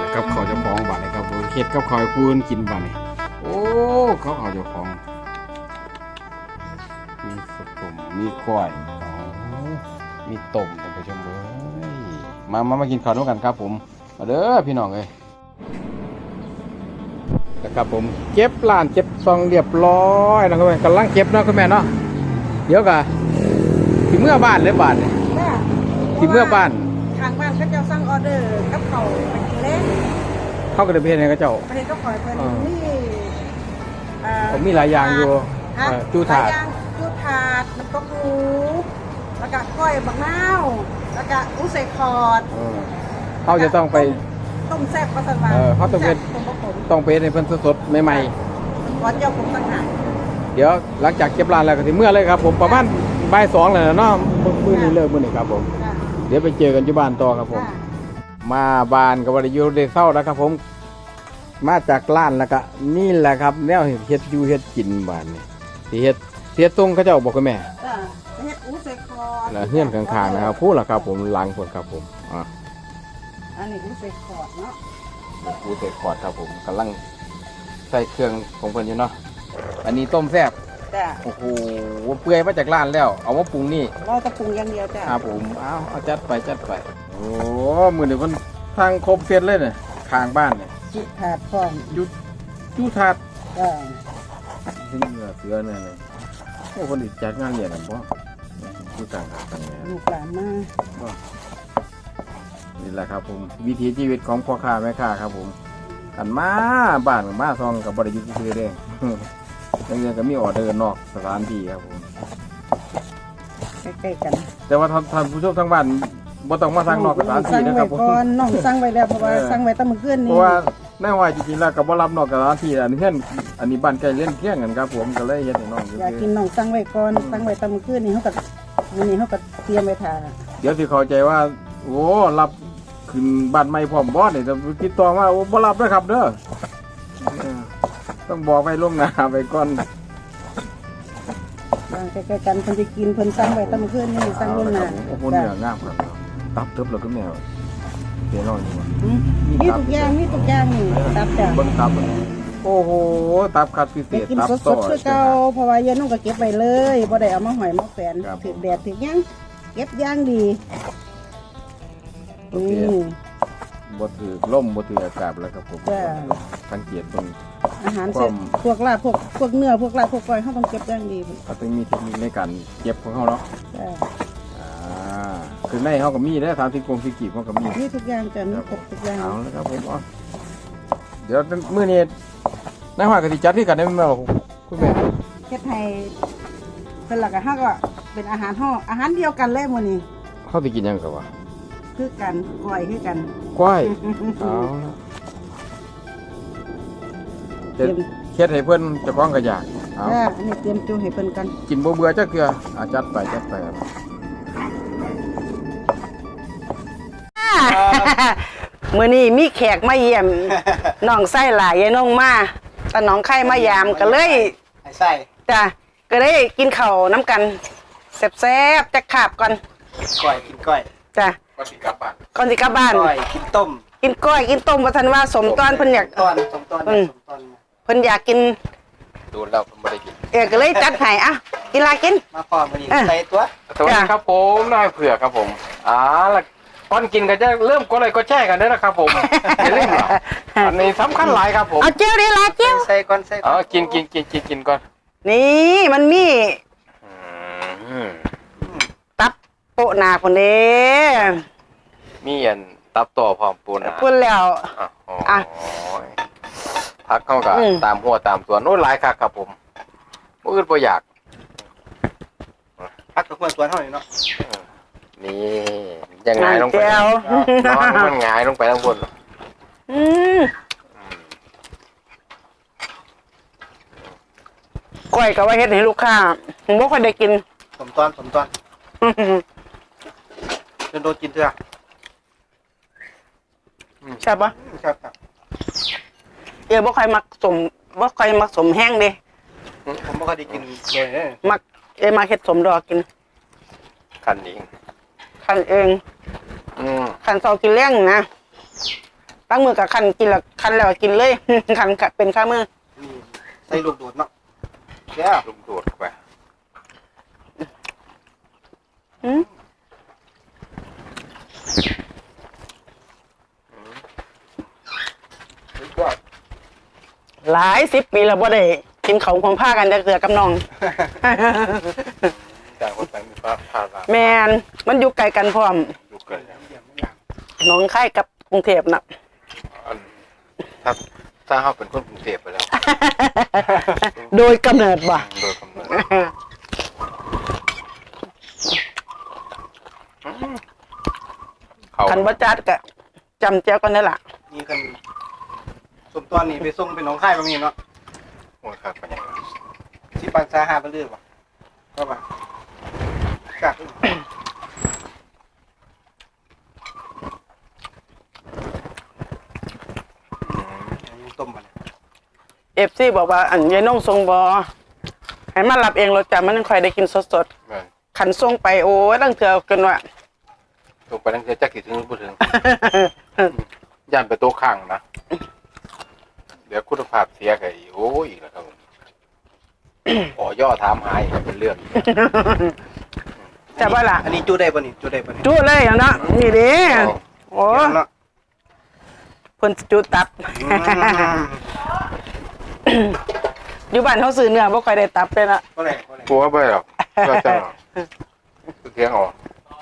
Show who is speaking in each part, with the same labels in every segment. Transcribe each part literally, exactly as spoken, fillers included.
Speaker 1: กับเขาจะฟ้องบ้านเลยครับเฮ็ดกับเขาให้ปูนกินบ้านนี่โอ้เขาเขาจะฟ้องมีสต้มมีก้อยมีต้มท่านผู้ชมเลยมามามากินข้าวด้วยกันครับผมมาเด้อพี่น้องเลยนะครับผมเก็บล้านเก็บซองเรียบร้อยนะครับกำลังเก็บเนาะคุณแม่เนาะเดี๋ยวกะถึงเมื่อบ้านเลยบ้านเนี่ยถึงเมื่อบ้าน
Speaker 2: ทางบ้านเขาจะสั่งออเดอร์กับเขาไปกินเล่น
Speaker 1: เข้ากระเทียมเนี่ยก็เจ้า
Speaker 2: ประเทศก็ขอยเพิ่นนี่
Speaker 1: ผมมีหลายอย่างอยู่จูถาด
Speaker 2: จูถาดมันก็หมูแล้วก็ก้อยบักนาวแล้วก็อุ้ใส่คอร์ด
Speaker 1: เขาจะต้องไป
Speaker 2: ต้มแซ่บประสาน
Speaker 1: เขาต้องเป็นต้องเป็นในเพิ่นสดๆใหม่
Speaker 2: ๆก่อนเจ้าผมต่างหาก
Speaker 1: เดี๋ยวหลังจากเก็บร้านแล้วก็ถึงเมื่อเลยครับผมประมาณบ่ายสองเลยเนาะมื้อนี้เลิกมื้อนี้ครับผมเดี๋ยวไปเจอกันที่บ้านต่อครับผมมาบ้านกับวริยุได้เศร้าแล้วครับผมมาจากร้านแล้วก็นี่แหละครับแนวเฮ็ดอยู่เฮ็ดกินบ้านนี่ที่เฮ็ดเฮ็ดตรงเขาเจ้าบอกกับแม่
Speaker 2: เฮ็ดอู้ใส่คอ
Speaker 1: แล้วเฮือนข้างๆนะครับพูดล่ะครับผมหลังพุ่นครับผมอ่า
Speaker 2: อันนี้อู้ใส่คอร์ดเนาะ
Speaker 1: อู้ใส่คอร์ดครับผมกำลังใส่เครื่องของเพิ่นอยู่เนาะอันนี้ต้มแซ่บ
Speaker 2: จ้ะ
Speaker 1: โอ้โหเปื่อยมาจากร้านแล้วเอามาปรุงนี่
Speaker 2: เราจะปรุงอย่างเดียวจ้ะ
Speaker 1: ครับผมเอาเอาจัดไปจัดไปโอ้มื้อนี้มันทางครบเสร็จเลยเนี่ยข้างบ้านเนี่ย
Speaker 2: จุถาดพร้อม
Speaker 1: ยุจุถาด
Speaker 2: จ้ะ
Speaker 1: เสือเสือเนี่ยเลยโอ้คนอีกจัดงานเนี่ยนะบ่อยู่กลางกลางเนี่ย
Speaker 2: ลูกหลานมา
Speaker 1: นี่แหละครับผมวิถีชีวิตของพ่อค้าแม่ค้าครับผมกันมาบ้านมาซองกับบริยุทธ์คือเด้ยังยังก็มีออเดอร์นอกสถานที่ครับผม
Speaker 2: ใกล้ๆกัน
Speaker 1: แต่ว่าท่านผู้ชมทั้งบ้านบ่ต้องมาสั่งนอกสถานที่นะครับผม
Speaker 2: น้องสั่งไว้แล้วเพราะว่าสั่งไว้ตั้งมื้อคืนนี้
Speaker 1: เพราะว่าแน่ว่าจริงๆแล้วก็บ่รับนอกสถานที่อันนี้เพื่อนอันนี้บ้านใกล้เล่นเที่ยงกันครับผมก็เลยเฮ็ดให้น้อง
Speaker 2: อยากกินน้องสั่งไว้ก่อนสั่งไว้ตั้งมื้อคืนนี้เฮาก็มื้อนี้เฮาก็เตรียมไว้ท่า
Speaker 1: เดี๋ยวสิเข้าใจว่าโอ้รับขึ้นบ้านใหม่พร้อมบ่นี่แต่ติดต่อมาโอ้บ่รับเด้อครับเด้อต้องบอกไว้ล่วงหน้าไปก่อน
Speaker 2: บางใกล้ๆกันเพิ่นสิกินเพิ่นสั่งไว้ตั้งมื้อคืนนี้สั่งล่วงหน้า
Speaker 1: โอ้โหเนื้องามครับตับเติบแล้วก็แมวเดี๋ยวน้อยนี่
Speaker 2: มีทุกอย่างมีทุกอย่างนี่ตับจ้ะ
Speaker 1: เบิ่งตับโอ้โหตับคัดพิเศษ
Speaker 2: ตับสดๆคือเก่าเพราะว่าเย็นนุ่งก็เก็บไว้เลยบ่ได้เอามาหอยมาแฝนถึกแดดถึกหยังเก็บอย่างดี
Speaker 1: นี่บ่ถือล่มบ่ถืออากาศแล้วครับผมสังเกตตรง
Speaker 2: อาหารเสร็จพวกลาบพวกพวกเนื้อพวกลาบพวกก้อยเขาต้องเก็บอย่างดี
Speaker 1: เขาต้องมีเทคนิคในการเก็บของเขาเนาะคือในเขาก็มีได้สามสิบกงสิกีบเขาก็มี
Speaker 2: มีทุกอย่างจะมีครบทุกอย่าง
Speaker 1: เอาแล้วครับผมเดี๋ยวมื้อนี้นายห้อยกะสิจัดที่กันได้มั้ยคุณแม่
Speaker 2: เฮ็ดให้เป็นหลักอะเฮาก็เป็นอาหารเฮาอาหารเดียวกันเลยมื้อนี้
Speaker 1: เฮาสิกินหยังก็ว่า
Speaker 2: คือกันก้อยคือกัน
Speaker 1: ก้อยเอาเตรียมเฮ็ดให้เพิ่นเจ้าของก็อยาก
Speaker 2: เอาอันนี้เตรียมจูให้เพิ่นกัน
Speaker 1: กินบ่เบื่อจักเทื่ออ่ะจัดไปจัดไป
Speaker 2: มื้อนี้มีแขกมาเยี่ยมน้องไส้หลายยายน้องมาตาน้องไข่มายามก็เลย
Speaker 3: ไส้
Speaker 2: จ้ะก็เลยกินข้าวน้ำกันแซ่บๆจักขาบก่อน
Speaker 3: ก้อยกินก้อย
Speaker 2: จ้ะ
Speaker 1: ก่อนสิกลับบ้าน
Speaker 2: ก่อนสิกลับบ้าน
Speaker 3: ก้อยกินต้ม
Speaker 2: กินก้อยกินต้มว่าท่านว่าสมตอนเพิ่นอยาก
Speaker 3: ตอนสมตอนสมตอน
Speaker 2: เพิ่นอยากกิน
Speaker 1: ดูแล้วผมบ่ได้กิน
Speaker 2: เออก็เลยจัดให้อ่ะกินลากิน
Speaker 3: มาพร้อมมื้อนี้ใส่ตัว
Speaker 1: สวัสดีครับผมนายเผือกครับผมอ่าล่ะตอนกินก็จะเริ่มก็เลยก็แช่กันได้แล้วครับผมอย่าลืมอันนี้สำคัญหลายครับผม
Speaker 2: เอาเจียวดิลาเจียว
Speaker 3: ใส่ก่อนใส่
Speaker 1: อ๋อกินกินกินกินกินก่อน
Speaker 2: นี่มันมีตับโปะหนาคนเด้
Speaker 1: มีอันตับต่อพร้อมปูน
Speaker 2: พูดแล้วอ่ะ
Speaker 1: พักเข้ากับตามหัวตามตัวโน้นหลายคักครับผมมื้ออื่นบ่อยาก
Speaker 3: พักกับหัวตัวเท่านี้เนาะ
Speaker 1: นี่ยังไงลงไปนอนมันหงายลงไปข้างบน
Speaker 2: อืมก้อยก็ว่าเฮ็ดให้ลูกค้าผมบ่ค่อยได้กิน
Speaker 3: สมตอนสมตอนจนโดนกินเถอะ
Speaker 2: ใช่ปะ
Speaker 3: ใช่ครับ
Speaker 2: เออบ่ค่อยมักสมบ่ค่อยมักสมแห้งเด้
Speaker 3: ผมบ่ค่อยได้กินเลย
Speaker 2: มักเอมาเฮ็ดสมดอกกิน
Speaker 1: คันเอง
Speaker 2: คันเอง
Speaker 1: อืม
Speaker 2: คันเซากินเลี้ยงนะตั้งมือกับคันกินแล้วคันแล้วก็กินเลย คันเป็นข้ามือ
Speaker 3: นี่ใส่ลูกโดดเนาะแก้ว
Speaker 1: ลุงโดดไป
Speaker 2: อืม
Speaker 3: สุดยอด
Speaker 2: หลายสิบปีแล้วบ่ได้กินเขาวของผ้ากันจะเกลือกับน้อง
Speaker 1: ต่างคนต่างมีภาพภาพ
Speaker 2: แมนมันอยู่ไกลกันพร้อม
Speaker 1: ดูเกิด
Speaker 3: เยี่ยมอย่าง
Speaker 2: หน้องค่ายกับกรุงเทพน่ะ
Speaker 1: อันถ้าถ้าเขาเป็นคนกรุงเทพไปแล้ว
Speaker 2: โดยกำเนิดบ่
Speaker 1: โดยกำเนิดเขา
Speaker 2: คันบ่จัดก็จำแจ้วกันได้ล่ะ
Speaker 3: นี่กันสมตอนนี้ไปส่งเป็นน้องค่ายบางนี้เนาะ
Speaker 1: โอ้ยครับเป็นยังไง
Speaker 3: ที่ปันซาหาไปเรื่อยป่ะก็มากัดต้มมัน
Speaker 2: เอฟซีบอกว่าอันยายน้องทรงบ่ให้มารับเองรถจ้ะมันยังค่อยได้กินสด
Speaker 1: แม่น
Speaker 2: ๆคันส่งไปโอ้ยตั้งเถื่อเกินว่า
Speaker 1: ลงไปนั่งเจอจักกี่ถึงพูดถึง ย่านไปโต๊ะข้างนะ เดี๋ยวคุณภาพเสียกันอีกโอ้ยอีกแล้วครับผม ขอย่อถามหายเป็นเรื่อง
Speaker 2: แต่ว่าล่ะ
Speaker 3: อันนี้จูได้ป่ะนี่จูได้ป่ะนี่
Speaker 2: จุเลยอย่างนั้นนี่เด้โอ้
Speaker 3: เนาะ
Speaker 2: เพิ่นจุตับ อยู่บ้านเขาซื้อเนื้อบ่ค่อยได้ตับเลยนะ
Speaker 3: ก็เลยก็เลย
Speaker 1: กลัวไปหรอกก็จะหรอกเสียงออก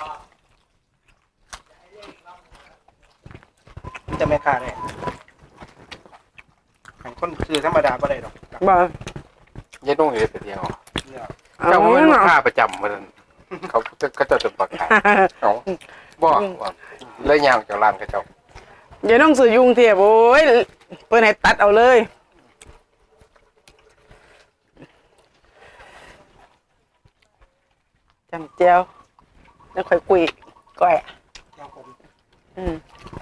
Speaker 3: จะไม่ค่าได้ขันคนซื้อธรรมดาก็ได้หรอก
Speaker 2: บ่
Speaker 1: ยัดต้องเห็นเสียงออก
Speaker 3: เนี่ย
Speaker 1: เจ้าเป็นลูกค้าประจำมันเขาเขาจะจะประกาศเอาบอกว่าเลยยางจากร้านเขาเจ้า
Speaker 2: อย่าน้องซื้อยุงเทียบโอ้ยเพิ่นให้ตัดเอาเลยจำเจียวแล้วค่อยกุยก้อย
Speaker 3: เจ้าผม
Speaker 2: อืม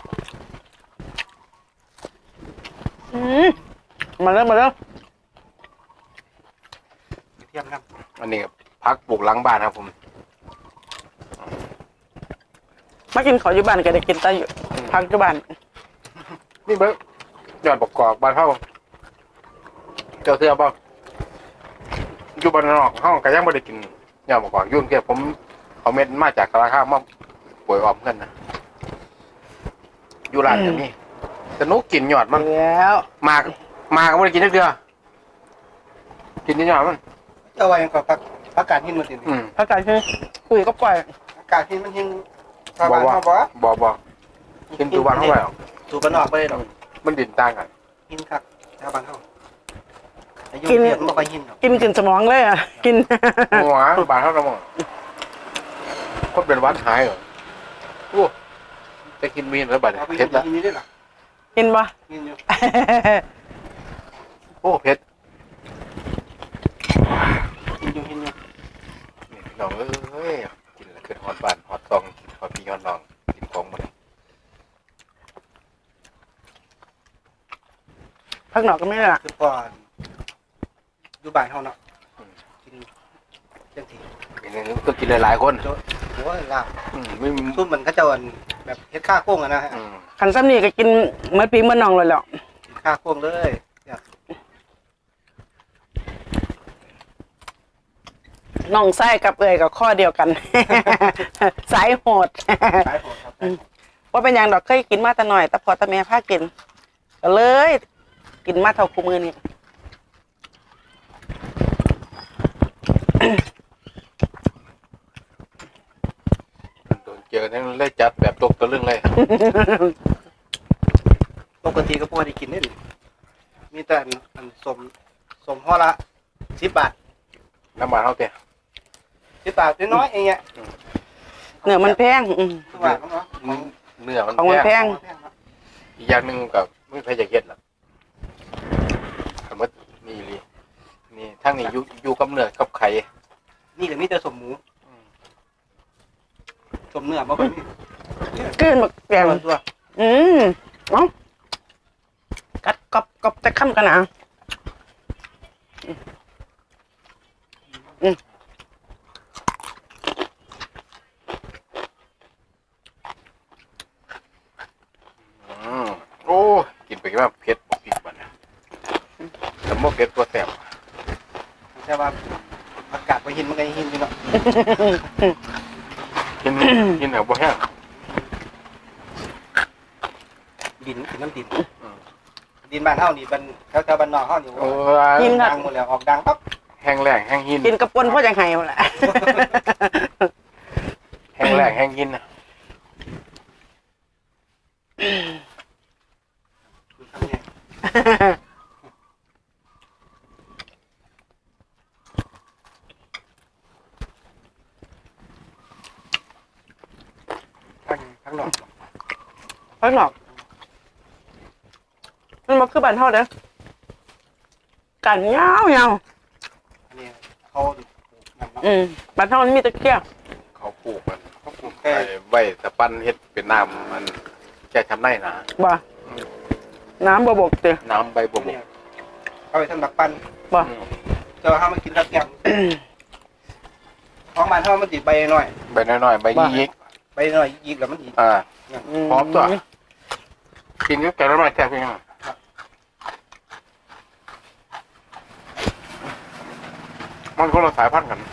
Speaker 2: อืมมาแล้วมาแล้ว
Speaker 3: เทียมน้
Speaker 1: อันนี้พักปลูกหลังบ้านครับผม
Speaker 2: มากินข้าวอยู่บ้านก็ได้กินแต่อยู่พักอยู่บ้าน
Speaker 1: นี่เบิ้งยอดประกอบบ้านเฮาเจ้าเสื้อบ่อยู่บ้านนอกเฮาก็ยังบ่ได้กินยอดประกอบยุ่นแค่ผมเอาเม็ดมาจากราคามาป่วยออมเงินนะอยู่ร้านก็มีแต่หนูกินยอดมัน
Speaker 2: แล้ว
Speaker 1: มากมากก็ไม่ได้กินนักเดือกินนิดหน่อยมัน
Speaker 3: ำเจ้าว่ายังกับพักอากาศหินมาติด
Speaker 1: อืม
Speaker 2: อากาศคือคุยก็ปล่อย
Speaker 3: อากาศหินมันหินชาวบ้านเขาบอก
Speaker 1: บอบอกินตัววันเข้าไปหรอก
Speaker 3: สูบบ้านนอกไปเลยหรอก
Speaker 1: มันดินต่างกัน
Speaker 3: หินครับชาวบ้านเขาอายุเทียมมันก็หินหรอก
Speaker 2: กินขึ้นสมองเลยอ่ะ กิน
Speaker 1: หัวบาทเท่าไหร่มั้งคนเป็นวัดหายเหรอโอ้จะกินมีนแล้วบาท
Speaker 3: เอาไป
Speaker 1: เผ็ดละ
Speaker 3: หินนี่ได้หรอ
Speaker 2: กินปะ
Speaker 3: หินอยู่
Speaker 1: โอ้เผ็ด
Speaker 3: หินอยู่หินอยู่
Speaker 1: นี่น้องเอ้ยกินแล้วขึ้นฮอตบานฮอตซองกินฮอตพี่ฮอตน้องกินของมัน
Speaker 2: พักหนอกก็ไม่ได้ละ
Speaker 3: คือก่อนอยู่บ้านเขาเนาะกินจังสี
Speaker 1: กินนึงก็กินหลายๆคน
Speaker 3: โจ้โอ้ยลาบ
Speaker 1: อืมไม่
Speaker 3: ซุ่มมันเขาเจะแบบเฮ็ดข้าโค้งอะนะฮะ
Speaker 1: อืม
Speaker 2: ขันซ้ำนี่ก็กินเมื่อปีเมื่อน้องเลยแหล้ว
Speaker 3: กินข้าโค้งเลยอยาก
Speaker 2: น้องไส้กับเอ่ยกับข้อเดียวกัน สายโหด
Speaker 3: ขายของครับ
Speaker 2: ว่าเป็นอย่างดอกเคยกินมาแต่หน่อยแต่พอแต่แม่พากินก็เลย กินมาเท่าคู่มือนี่
Speaker 1: โดนเจอนั่นเลยจัดแบบตกตะลึงเลย
Speaker 3: ปกติก็พอได้กินได้ดิมีแต่อันอันสมสมห่อละสิบบาท
Speaker 1: น้ำมันเท่าเตี้ย
Speaker 3: สิบบาทน้อยๆเองเนี่ย
Speaker 2: เนื้อมันแพงอืม
Speaker 3: สิบบาทเขาเนาะของ
Speaker 1: เนื้อมัน
Speaker 2: ของมัน
Speaker 1: แพ
Speaker 2: แพ
Speaker 1: ง
Speaker 2: ง
Speaker 3: แพงเนาะ
Speaker 1: อีกอย่างหนึ่งกับไม่ใครจะเก็ดหรอกคำว่านี่เลยนี่ทั้งนี้อยู่อยู่กับเนื้อกับไข่
Speaker 3: นี่ก็มีแต่สมหมูสมเนื้อบ่ค่อยมี
Speaker 2: กลืนบักแกง
Speaker 3: ตัว
Speaker 2: อืมเอ้ากัดกรอบกรอบจะค้ำกันนะอืม
Speaker 1: อืมโอ้ไปว่าเผ็ดบ่ผิดบ่นะแต่บ่เผ็ดตัวแซ่บ
Speaker 3: แต่ว่าอากาศบ่หินมันก็หินอยู่เนาะ
Speaker 1: กินกินแบบบ่แห้ง
Speaker 3: ดินกินน้ำดินดินบ้านเฮานี่บ้านแถวๆบ้านนอกเฮานี่
Speaker 1: โอ้
Speaker 2: กิน
Speaker 1: ย
Speaker 2: ครับ
Speaker 3: ดังหมดแล้วออกดังปั๊บ
Speaker 1: แห้งแล้งแห้งหิน
Speaker 2: กินกระปนพ่อจังไห้หมดละ
Speaker 1: แห้งแล้งแห้งหินนะ
Speaker 3: ทำไงทั้งทั้งนอก
Speaker 2: ข้างนอกมันมาคือบ้านเฮาเด้อกันยาวยาว
Speaker 3: อันนี้เขานั่นเนาะ
Speaker 2: อืมบ้านเฮามันมีตะเกียบ
Speaker 1: เขาปลูกมัน
Speaker 3: เขาปลูก
Speaker 1: ไว้
Speaker 3: แค่
Speaker 1: ไว้สปันเฮ็ดเป็นน้ำมันแก้ช้ำในนะ
Speaker 2: บ่น้ำบ่บกเตะ
Speaker 1: น้ำใบบัวบ
Speaker 3: เนี่
Speaker 1: ก
Speaker 3: ยเอาไปทำดักปั้น
Speaker 2: บ่
Speaker 1: อืม
Speaker 3: เจอห้ามากินกับแกงของบ้านเฮามันติดใบหน่อย
Speaker 1: ใบน้อยๆใบยิก
Speaker 3: ใบหน่อยยิกแล้วมันติด
Speaker 1: ๆอ่า
Speaker 2: ม
Speaker 1: พร้อมตัว กินกับแกงน้ำมันแซ่บจริงๆมันคนละสายพันธุ์กัน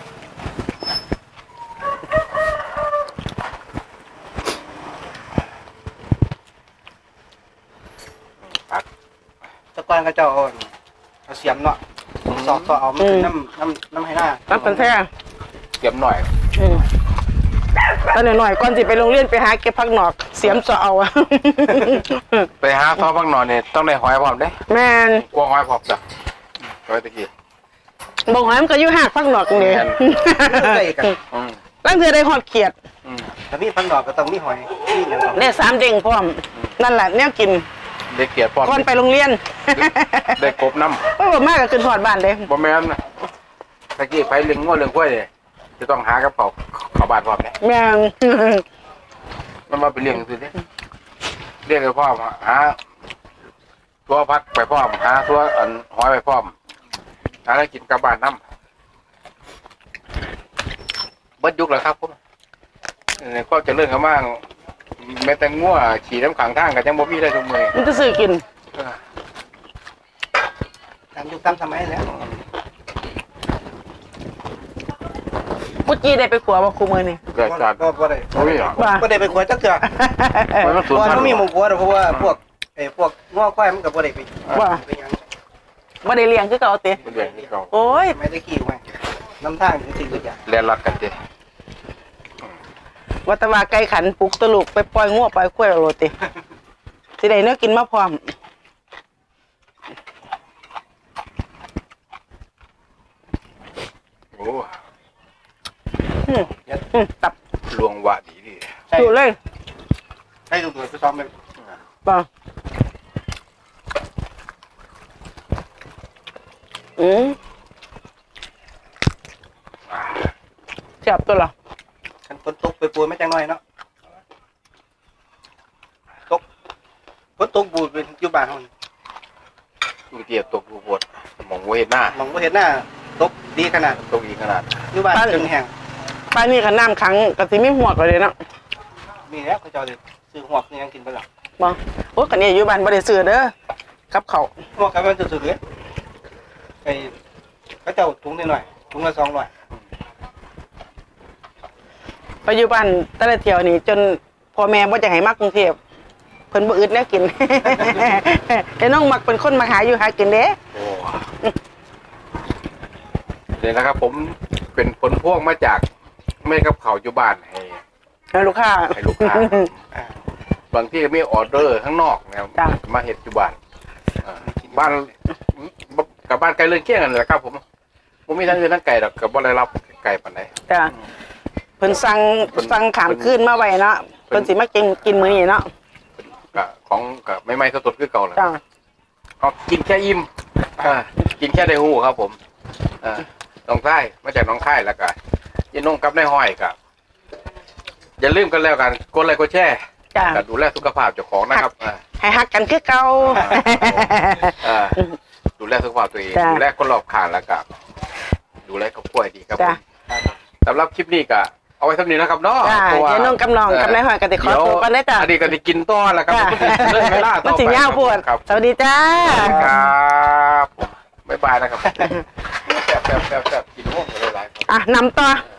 Speaker 1: ปัก
Speaker 3: ตะกอนก็เจ้าเอาเอาเสียมเนาะสอกต่อเอามันเป็นน้ำน้ำน้ำให้หน้า
Speaker 2: น้ำเป็นแท้
Speaker 1: เก็บหน่อย
Speaker 2: อืมตอนหน่อยๆก่อนสิไปโรงเรียนไปหาเก็บผักหนอก เสียมเสาเอาอะ
Speaker 1: ไปหาซอบักหนอนเนี่ยต้องได้หอยพร้อมเด้
Speaker 2: แม่น
Speaker 1: กลัวหอยพร้อมจ้ะหอยตะกี้
Speaker 2: บ่หอยมันก็อยู่หากผักหนอกนี่
Speaker 1: แม่น
Speaker 3: ใส่กัน
Speaker 1: อืม
Speaker 2: ลังเทื่อได้ฮอดเขียด
Speaker 1: อืม
Speaker 3: ถ้ามีพันดอกก็ต้องมีหอยนี่อย่างต่อ
Speaker 2: ได้สามเด้งพร้อม นั่นแหละแนวกิน
Speaker 1: ได้เกียรติพร้อม
Speaker 2: ก่อนไปโรงเรียน
Speaker 1: ได้กบน้
Speaker 2: โอ้ยบ่มากก็ขึ้นฮอดบ้านเด้
Speaker 1: ำบ่แม่นนะตะกี้ไปเลี้ยงงัวเลี้ยงกล้วยเนี่ยจะต้องหากับเขาเขาบาดพร้อมเนี่ย
Speaker 2: แม่ง
Speaker 1: มันมาไปเลี้ยงซื้อเนี่ยเลี้ยงไปพร้อมหาตัวพักไปพร้อมหาตัวอันหอยไปพร้อมหาอะไรกินกับบ้านน้ำเบิดยุคแล้วครับผมเนี่ยก็จะเลื่อนเขามากแม้แต่งัวขี่น้ำขังทางกันยังบ่มีได้ทุกมือ
Speaker 2: มันจะซื้อกิน
Speaker 3: ตามยุคตามสมัยแล้ว
Speaker 2: ปุจีได้ไปขัวบ่คุมื้อนี่
Speaker 1: เกิดจาก
Speaker 3: ก็บ่ได้
Speaker 1: โอ้ยอ่ะ
Speaker 2: ว่า
Speaker 3: บ่ได้ไปขวดจักเทื่อ
Speaker 1: มันก็
Speaker 3: เพ
Speaker 1: สูญ
Speaker 3: ราะว่า
Speaker 1: พัน
Speaker 3: มัน
Speaker 1: ธุ์
Speaker 3: มีหมู่ผัวเพราะว่าพวกไอ้พวกง้อควายมันก็บ่ได้ไป
Speaker 2: ว่า
Speaker 3: ไปหยัง
Speaker 2: บ่ได้เลี้ยงคือเก่าติ
Speaker 1: มันเลี้ยงที่เขา
Speaker 2: โอ้ย
Speaker 3: ไม่ได้ขี่ไว้น้ำทางจริงๆทุกอย่าง
Speaker 1: เรียนรัดกันเจ้
Speaker 2: วัตว่าไก่ขันปลุกตะลุกไปปล่อยงัวปล่อยควายเอาโลติสิได้เนื้อกินมาพร้อม
Speaker 1: โอ้
Speaker 2: อืมอืมตับ
Speaker 1: ลวงวะดีดี
Speaker 3: ใช่
Speaker 2: อยู่เลย
Speaker 3: ใช่ดูตัวไปซ้อมไป
Speaker 2: ป่ะอืมเจ็บตัวเหรอ
Speaker 3: คันฝนตกไปปูไม่จังน้อยเนาะตกฝนตกบูดเป็นอยู่บ้านเฮานี่
Speaker 1: ดูเตียตกดูปวดมองว่าเห็นหน้าม
Speaker 3: องบ่เห็นหน้าตกดีขนาด
Speaker 1: ตกอีกขนาด
Speaker 3: อยู่บ้านจนแห้ง
Speaker 2: ป้ายนี่ขันน้ำขังกะสิมีหัวกเลยเนาะ
Speaker 3: มีแล้วเขาเจ้าสิซื้อหวกนี่ยังกินบ่ล่ะ
Speaker 2: บ่โอ้กันนี่อยู่บ้านบ่ได้ซื้อเด้อกับเขาว
Speaker 3: หวกกันมันสุดๆเลยไอ้เขาเจ้าถุงนิดหน่อยถุงละสองร้อย
Speaker 2: ไปอยู่บ้านแต่ละเที่ยวนี่จนพ่อแม่บ่จะให้มากรุงเทพเพิ่นบ่อึดแนวกิน ไอ้น้องมักเป็นคนมาหาอยู่หากินเด้
Speaker 1: โอ้เดี๋ยวนะครับ ผมเป็นผลพวงมาจากแม่กับเขาอยู่บ้านให้
Speaker 2: ให้ลูกค้า
Speaker 1: ให้ลูกค้า
Speaker 3: อ่า
Speaker 1: บางที่ก็มีออเดอร์ข้างนอกนะครับ
Speaker 2: จ้ะ
Speaker 1: มาเห็ดอยู่บ้านอ่าบ้านกับบ้านไกลเรือนเคียงกันแหละครับ ผมผมมีทั้งเงินทั้งไก่ดอกกับบ่ได้รับไก่ปานใด
Speaker 2: จ้ะเพิ่นสั่ง
Speaker 1: เพิ่น
Speaker 2: สั่งขามคืนมาไว้เนาะ
Speaker 1: เพิ่
Speaker 2: เพิ่
Speaker 1: น
Speaker 2: นสิมากินกินมื้อนี้เนาะ
Speaker 1: กะของกะไม่ไม่สดๆคือเก่าแหละ
Speaker 2: จ้ะ
Speaker 1: เอากินแค่อิ่มอ่ากินแค่ได้หูครับ ผมอ่าน้องค่ายมาจากน้องค่ายแล้วก็ยันนงกับนายห้อยกับอย่าลืมกันแล้วกันกดไลค์กดแชร์
Speaker 2: จ้ะ
Speaker 1: ก็ดูแลสุขภาพเจ้าของนะครับอ่า
Speaker 2: ให้ฮักกันคือเก่า
Speaker 1: อ่าดูแลสุขภาพตัวเอง
Speaker 2: จ้ะ
Speaker 1: ดูแลคนรอบข้างแล้วก็ดูแลครอบครัวให้ดีครับผ
Speaker 2: จ้ะ
Speaker 1: มสำหรับคลิปนี้ก็เอาไว้เท่านี้นะครับเนาะ
Speaker 2: จ้า
Speaker 1: เพราะว่า
Speaker 2: เดี๋ยวน้องกำนองกับนายหอยก็สิขอตัวกันได้อจ้ะ
Speaker 1: อันนี้ก็สิกินต่อแล้วครับ
Speaker 2: จ้า
Speaker 1: เรื่องเวลาต่อไป
Speaker 2: มันสิยาวโพด
Speaker 1: ครับ
Speaker 2: สวัสดีจ้า
Speaker 1: ครับบ๊ายบายนะครับแซ่บแซ่บแซ่บแซ่บกินโอ้โหหลายๆ
Speaker 2: อ่ะนำต่อ
Speaker 1: เอ